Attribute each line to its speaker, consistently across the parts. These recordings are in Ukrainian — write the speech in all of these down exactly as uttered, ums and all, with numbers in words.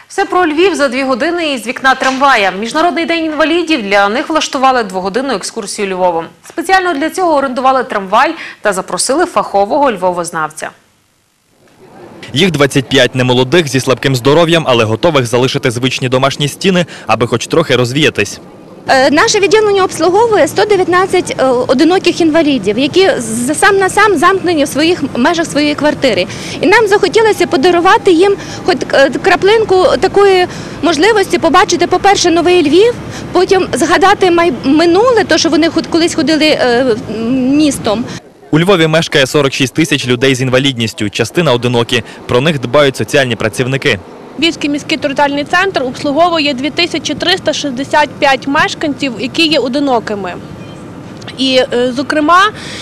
Speaker 1: Все про Львів за дві години із вікна трамвая. Міжнародний день інвалідів, для них влаштували двогодинну екскурсію Львовом. Спеціально для цього орендували трамвай та запросили фахового львовознавця.
Speaker 2: Їх двадцять п'ять немолодих, зі слабким здоров'ям, але готових залишити звичні домашні стіни, аби хоч трохи розвіятись.
Speaker 3: Наше відділення обслуговує сто дев'ятнадцять одиноких інвалідів, які сам на сам замкнені в своїх межах своєї квартири. І нам захотілося подарувати їм хоч краплинку такої можливості побачити, по-перше, новий Львів, потім згадати минуле, то, що вони колись ходили містом.
Speaker 2: У Львові мешкає сорок шість тисяч людей з інвалідністю, частина одинокі. Про них дбають соціальні працівники.
Speaker 4: Львівський міський територіальний центр обслуговує дві тисячі триста шістдесят п'ять мешканців, які є одинокими. І, зокрема,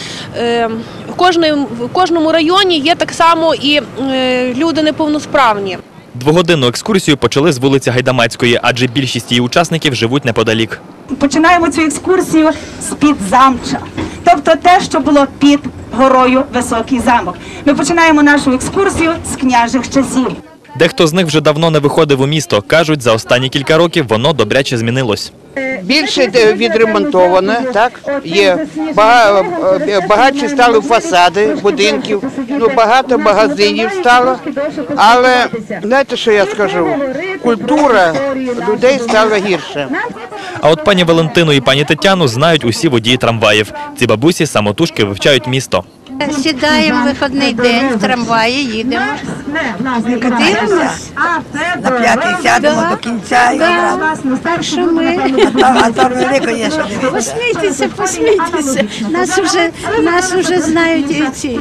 Speaker 4: в кожному районі є так само і люди неповносправні.
Speaker 2: Двогодинну екскурсію почали з вулиці Гайдамацької, адже більшість її учасників живуть неподалік.
Speaker 5: Починаємо цю екскурсію з-під замча, тобто те, що було під горою Високий замок. Ми починаємо нашу екскурсію з княжих часів.
Speaker 2: Дехто з них вже давно не виходив у місто. Кажуть, за останні кілька років воно добряче змінилось.
Speaker 6: Більше відремонтоване, так, є, багатші стали фасади будинків, ну, багато магазинів стало, але, знаєте, що я скажу, культура людей стала гірше.
Speaker 2: А от пані Валентину і пані Тетяну знають усі водії трамваїв. Ці бабусі самотужки вивчають місто.
Speaker 7: Сідаємо в вихідний день в трамваї, їдемо. Дивимося.
Speaker 8: На п'ятий сядемо до кінця.
Speaker 7: Так що ми...
Speaker 8: А то велико є, що дивитися.
Speaker 7: Посмійтеся, посмійтеся. Нас вже, нас вже знають і ці.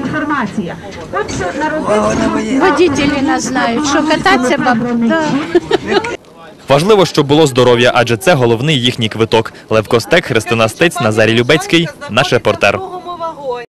Speaker 7: Водителі нас знають, що кататися бабу.
Speaker 2: Важливо, щоб було здоров'я, адже це головний їхній квиток. Лев Костек, Христина Стець, Назарій Любецький, наш репортер.